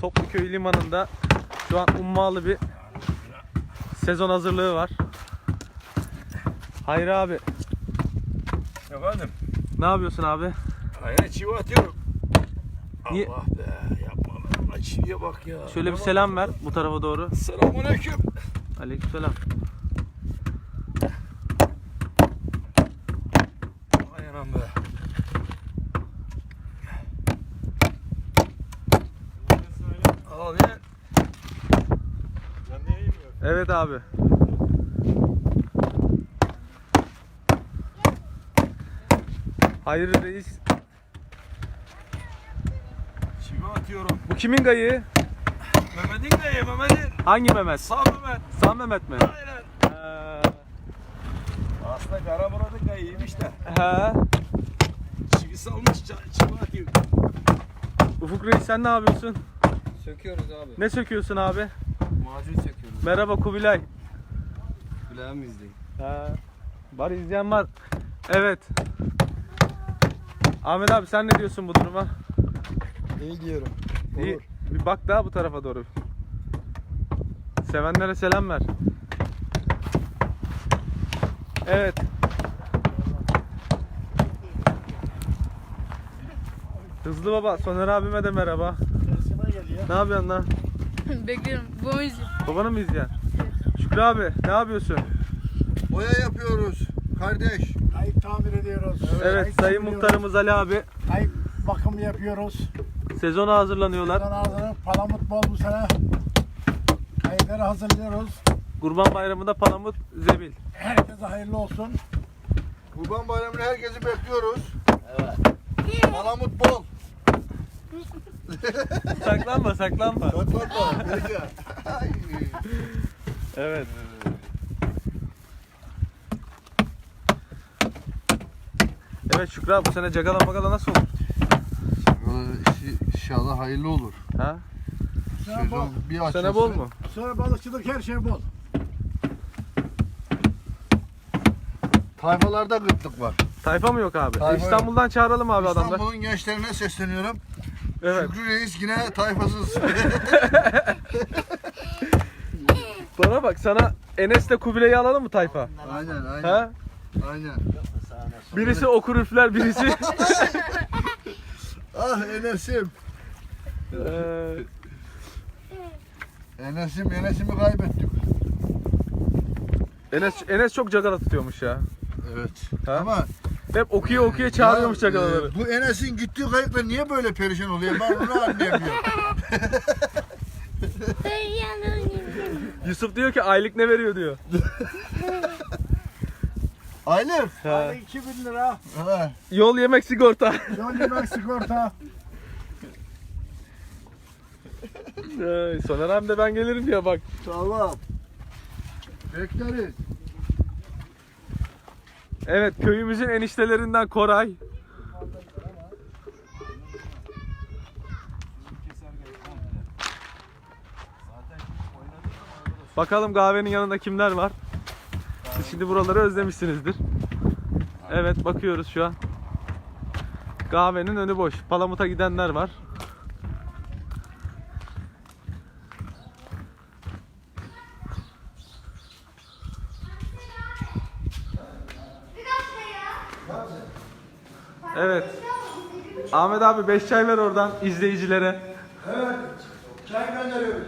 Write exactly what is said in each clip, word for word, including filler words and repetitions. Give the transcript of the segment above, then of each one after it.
Topluköy limanında şu an ummalı bir sezon hazırlığı var. Hayri abi. Efendim? Ne yapıyorsun abi? Aynen çivi atıyorum. Niye? Allah be, yapma be. Çiviye bak ya. Şöyle bir selam ver bu tarafa doğru. Selamünaleyküm. Aleykümselam. Aynen be. Al ya. Evet abi. Hayri reis. Çivi atıyorum. Bu kimin gayı? Mehmet'in de ye Mehmet'in. Hangi Mehmet? Sağ Mehmet. Sağ Mehmet mi? Aynen. Ee, Aslında Karamurat'ın kayıymış da. he. Çivi salmış, çivi atıyor. Ufuk reis sen ne yapıyorsun? Söküyoruz abi. Ne söküyorsun abi? Macun söküyoruz. Merhaba Kubilay. Kulağım izleyin. He. Var izleyen var. Evet. Ahmet abi sen ne diyorsun bu duruma? İyi diyorum. İyi. Bir bak daha bu tarafa doğru. Sevenlere selam ver. Evet. Hızlı baba, Soner abime de merhaba. Ne yapıyorsun lan? Bekliyorum. Bu müzik. Babanı mı izleyen? Şükrü abi, ne yapıyorsun? Boya yapıyoruz kardeş. Kayık tamir ediyoruz. Evet, Kayık sayın sürüyoruz. muhtarımız Ali abi Kayık bakımı yapıyoruz. sezona hazırlanıyorlar. Buradan ağzını palamut bol bu sene. Kayıkları hazırlıyoruz. Kurban Bayramı'nda palamut, zebil. Herkese hayırlı olsun. Kurban Bayramı'nı herkesi bekliyoruz. Evet. Palamut bol. Saklanma, saklanma. Saklanma. Peki. Evet. Evet Şükrü abi, bu sene cagala magala nasıl olur? İnşallah hayırlı olur. Ha? Bu sene bol. Bir Bu sene açılsın. bol mu? Bu sene balıkçılık her şey bol. Tayfalarda gıtlık var. Tayfa mı yok abi? Tayfa yok. İstanbul'dan çağıralım abi adamlar. İstanbul'un gençlerine sesleniyorum. Evet. Şükrü Reis yine tayfasız. Bana bak, sana Enes'le Kubilay'ı alalım mı tayfa? Aynen aynen. Ha? Aynen. Birisi okur üfler, birisi... Ah Enes'im. Ee, Enes'im Enes'imi kaybettik. Enes, Enes çok cagala tutuyormuş ya. Evet. Ha? Ama Hep okuya okuya çağırıyormuş ya, cagalaları. e, bu Enes'in gittiği kayıkla niye böyle perişan oluyor? Ben bunu anlayamıyorum. Yusuf diyor ki aylık ne veriyor diyor. Aylık. Ha. Aylık iki bin lira. Ha. Yol yemek sigorta. Yol yemek sigorta. Ay, Soner abi de ben gelirim diye bak. Tamam. Bekleriz. Evet, köyümüzün eniştelerinden Koray. Bakalım kahvenin yanında kimler var? Siz şimdi buraları özlemişsinizdir. Evet, bakıyoruz şu an. Kahvenin önü boş. Palamut'a gidenler var. Evet. Ahmet abi beş çay ver oradan izleyicilere. Evet. Çay gönderiyoruz.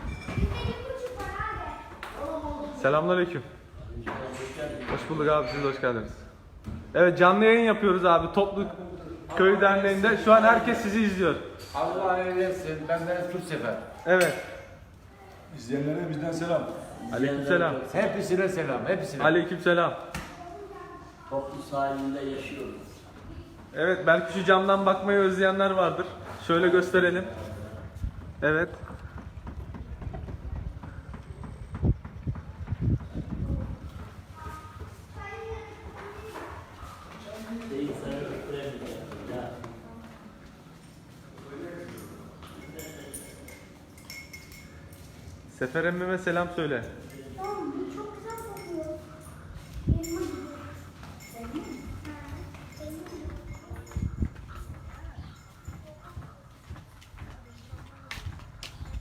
Selamünaleyküm. Hoş bulduk abi, siz de hoş geldiniz. Evet, canlı yayın yapıyoruz abi Toplu Köy Derneği'nde. Şu an herkes sizi izliyor. Allah eylesin. Benden tut sefer. Evet. İzleyenlere bizden selam. Aleykümselam. Hepsine selam. Hepsine. Aleykümselam. Toplu sahilinde yaşıyoruz. Evet, belki şu camdan bakmayı özleyenler vardır. Şöyle gösterelim. Evet. Değil sana götüremeyeceğim. Ya. Sefer emmime selam söyle. Tamam, bu çok güzel kokuyor. Elma gibi. Elma mı? Ha, elma gibi.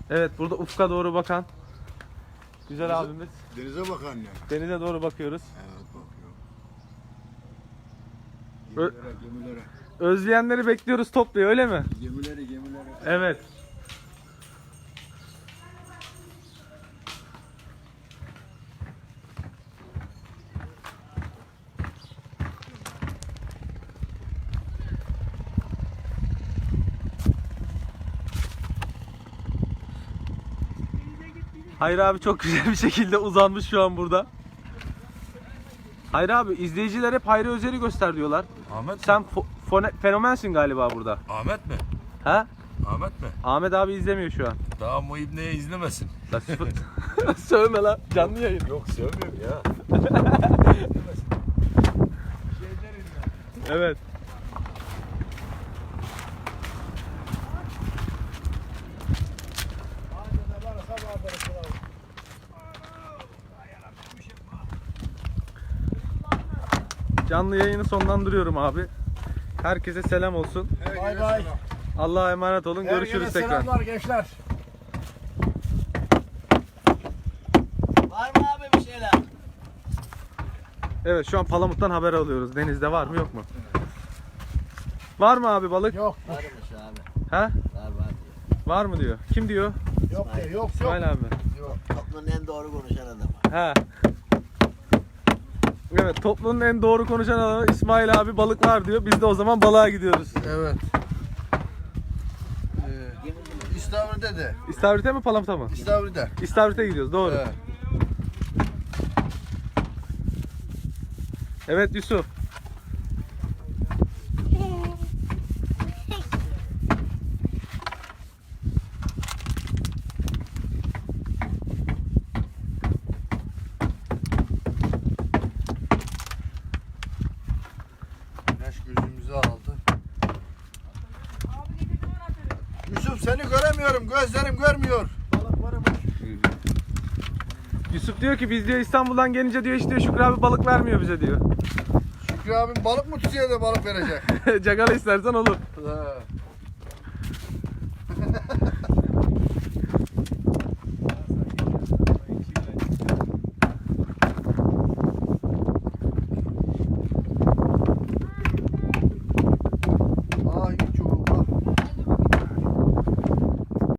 Evet, burada ufka doğru bakan güzel abimiz. Denize bak anne. Denize doğru bakıyoruz. Evet bakıyor. Ö- Gemilere, gemilere. Özleyenleri bekliyoruz topluyor, öyle mi? Gemilere, gemilere. Evet. Hayır abi çok güzel bir şekilde uzanmış şu an burada. Hayır abi, izleyiciler hep Hayri Özer'i göster diyorlar. Ahmet Sen fo- fone- fenomensin galiba burada. Ahmet mi? Ha? Ahmet mi? Ahmet abi izlemiyor şu an. Daha Muhib neye izlemesin? Lan sıfır- Sövme lan, canlı yayın. Yok sevmiyorum ya. Evet. Canlı yayını sonlandırıyorum abi. Herkese selam olsun. Bay bay. Allah'a emanet olun. Görüşürüz Herkese tekrar. selamlar gençler. Var mı abi bir şeyler? Evet, şu an Palamut'tan haber alıyoruz. Denizde var mı yok mu? Var mı abi balık? Yok Varmış abi. Ha? Var var diyor. Var mı diyor. Kim diyor? yok yok yok. İsmail abi. Toplumun en doğru konuşan adamı. Ha. Evet, toplumun en doğru konuşan adamı İsmail abi balık var diyor. Biz de o zaman balığa gidiyoruz. Evet. Ee, İstavrit'e de. İstavrit'e mi Palamut'a mı? İstavrit'e. İstavrit'e gidiyoruz, doğru. Evet. Evet Yusuf. Güneş gözümüzü aldı. Yusuf seni göremiyorum. Gözlerim görmüyor. Yusuf diyor ki biz diyor İstanbul'dan gelince diyor işte Şükrü abi balık vermiyor bize diyor. Şükrü abim balık mı tutuyor da balık verecek? Cagala istersen olur. Ha.